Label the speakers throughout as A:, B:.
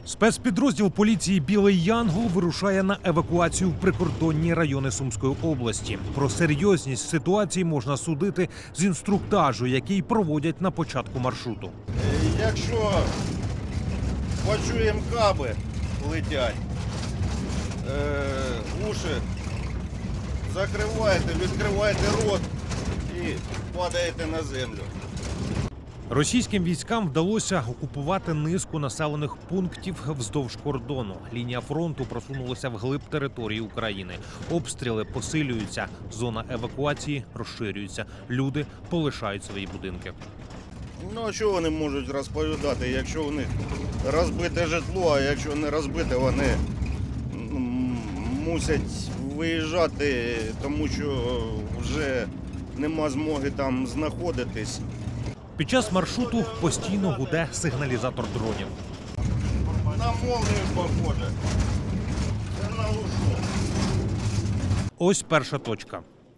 A: Спецпідрозділ поліції «Білий Янгол» вирушає на евакуацію в прикордонні райони Сумської області. Про серйозність ситуації можна судити з інструктажу, який проводять на початку маршруту.
B: Якщо почуємо каби летять, уші закриваєте, відкриваєте рот і падаєте на землю.
A: Російським військам вдалося окупувати низку населених пунктів вздовж кордону. Лінія фронту просунулася вглиб території України. Обстріли посилюються, зона евакуації розширюється. Люди полишають свої будинки.
B: Ну, а що вони можуть розповідати, якщо у них розбите житло, а якщо не розбите, вони мусять виїжджати, тому що вже нема змоги там знаходитись.
A: Під час маршруту постійно гуде сигналізатор дронів.
B: На молнію похоже. Це на лушу.
A: Ось перша точка.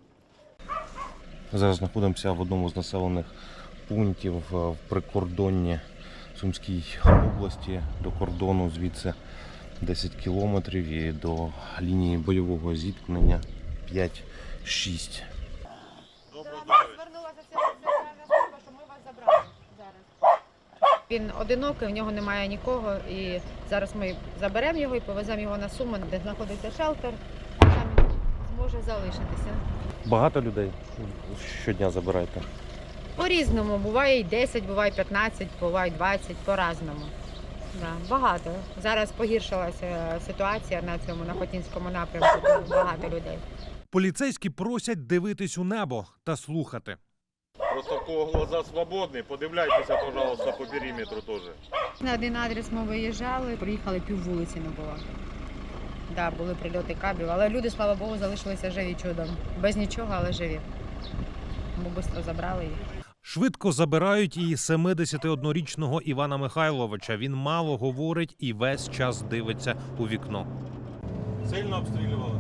C: Зараз знаходимося в одному з населених пунктів в прикордонні Сумській області. До кордону звідси 10 кілометрів і до лінії бойового зіткнення 5-6.
D: Звернулася соціальна служба, що ми вас забрали зараз. Він одинокий, в нього немає нікого, і зараз ми заберемо його і повеземо його на Суми, де знаходиться шелтер, там він зможе залишитися.
C: Багато людей щодня забираєте?
D: По-різному, буває і 10, буває 15, буває 20, по-разному. Да, багато. Зараз погіршилася ситуація на цьому, на Хотінському напрямку, багато людей.
A: Поліцейські просять дивитись у небо та слухати.
E: Просто в кого глаза свободні, подивляйтеся, пожалуйста, по периметру теж.
D: На один адрес ми виїжджали, приїхали, пів вулиці не було. Да, були прильоти кабів, але люди, слава Богу, залишилися живі чудом. Без нічого, але живі. Бо швидко забрали їх.
A: Швидко забирають і 71-річного Івана Михайловича. Він мало говорить і весь час дивиться у вікно.
E: Сильно обстрілювали?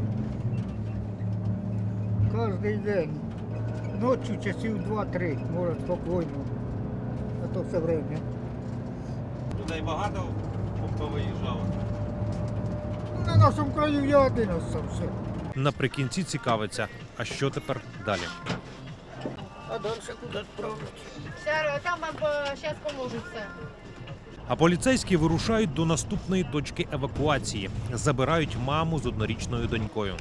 F: Кожний день. Ночі часів 2-3, може спокійно. А то все время.
E: Людей багато повиїжджало?
F: На нашому краю я один остався.
A: Наприкінці цікавиться, а що тепер далі?
F: А далі куди відправити?
D: Там вам зараз поможуть все.
A: А поліцейські вирушають до наступної точки евакуації. Забирають маму з однорічною донькою.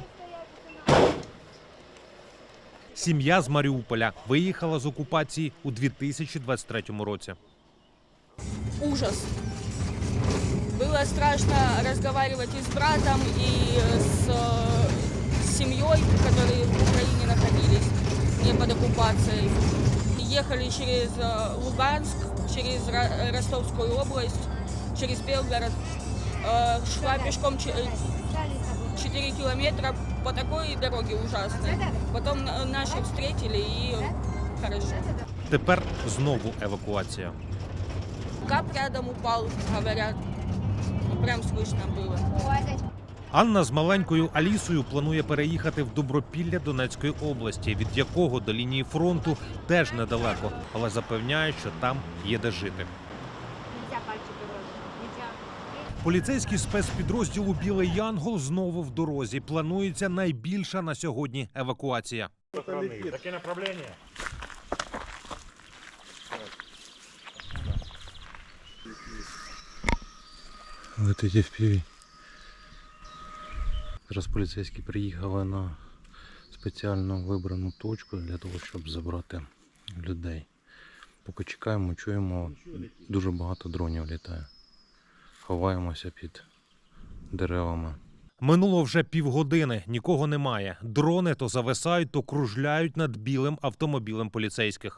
A: Сім'я з Маріуполя виїхала з окупації у 2023 році.
G: Ужас. Было страшно разговаривать и с братом, и с семьей, которые в Украине находились, не под оккупацией. Ехали через Луганск, через Ростовскую область, через Белгород. Шла пешком 4 километра по такой дороге ужасной. Потом наши встретили и хорошо.
A: Тепер знову евакуація.
G: Кап рядом упал, говорят. Прям слышно было.
A: Анна з маленькою Алісою планує переїхати в Добропілля Донецької області, від якого до лінії фронту теж недалеко, але запевняє, що там є де жити. Поліцейський спецпідрозділу «Білий Янгол» знову в дорозі. Планується найбільша на сьогодні евакуація.
E: Таке направлення?
C: Летить FPV. Зараз поліцейські приїхали на спеціально вибрану точку для того, щоб забрати людей. Поки чекаємо, чуємо, дуже багато дронів літає. Ховаємося під деревами.
A: Минуло вже півгодини, нікого немає. Дрони то зависають, то кружляють над білим автомобілем поліцейських.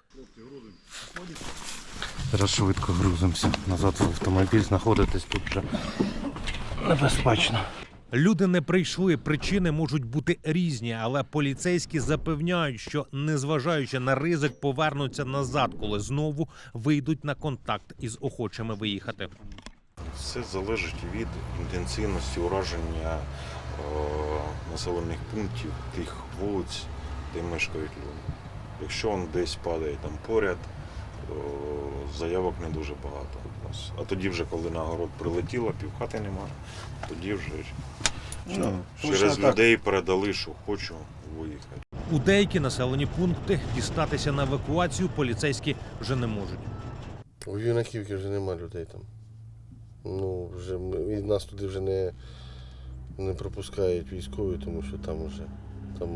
C: Зараз швидко грузимося назад в автомобіль, знаходитись тут вже небезпечно.
A: Люди не прийшли, причини можуть бути різні, але поліцейські запевняють, що, незважаючи на ризик, повернуться назад, коли знову вийдуть на контакт із охочими виїхати.
H: Все залежить від інтенсивності ураження населених пунктів, тих вулиць, де мешкають люди. Якщо він десь падає там поряд, заявок не дуже багато. Ось. А тоді вже, коли на город прилетіло, півхати нема, тоді вже
B: Ну,
H: через
B: точно так.
H: людей передали, що хочу виїхати.
A: У деякі населені пункти дістатися на евакуацію поліцейські вже не можуть.
I: У Юнаківці вже нема людей там. Ну, вже і нас туди вже не пропускають військові, тому що там вже там,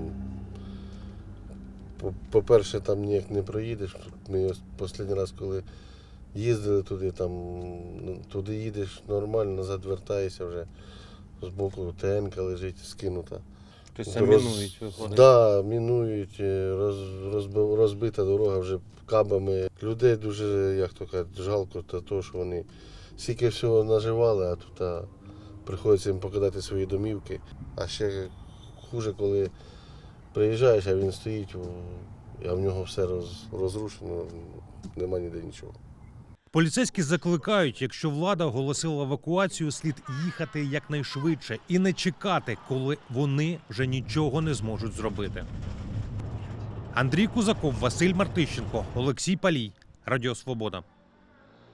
I: по-перше, там ніяк не проїдеш. Ми останній раз, коли їздили туди, там туди їдеш нормально, назад вертаєшся вже. Збоку ТН-ка лежить скинута.
C: Тобто мінують, виходить?
I: Так, мінують, розбита дорога вже кабами. Людей дуже, як то кажуть, жалко, того, що вони стільки всього наживали, а тут приходиться їм покидати свої домівки. А ще хуже, коли приїжджаєш, а він стоїть, а в нього все розрушено, нема ніде нічого.
A: Поліцейські закликають, якщо влада оголосила евакуацію, слід їхати якнайшвидше і не чекати, коли вони вже нічого не зможуть зробити. Андрій Кузаков, Василь Мартищенко, Олексій Палій, Радіо Свобода.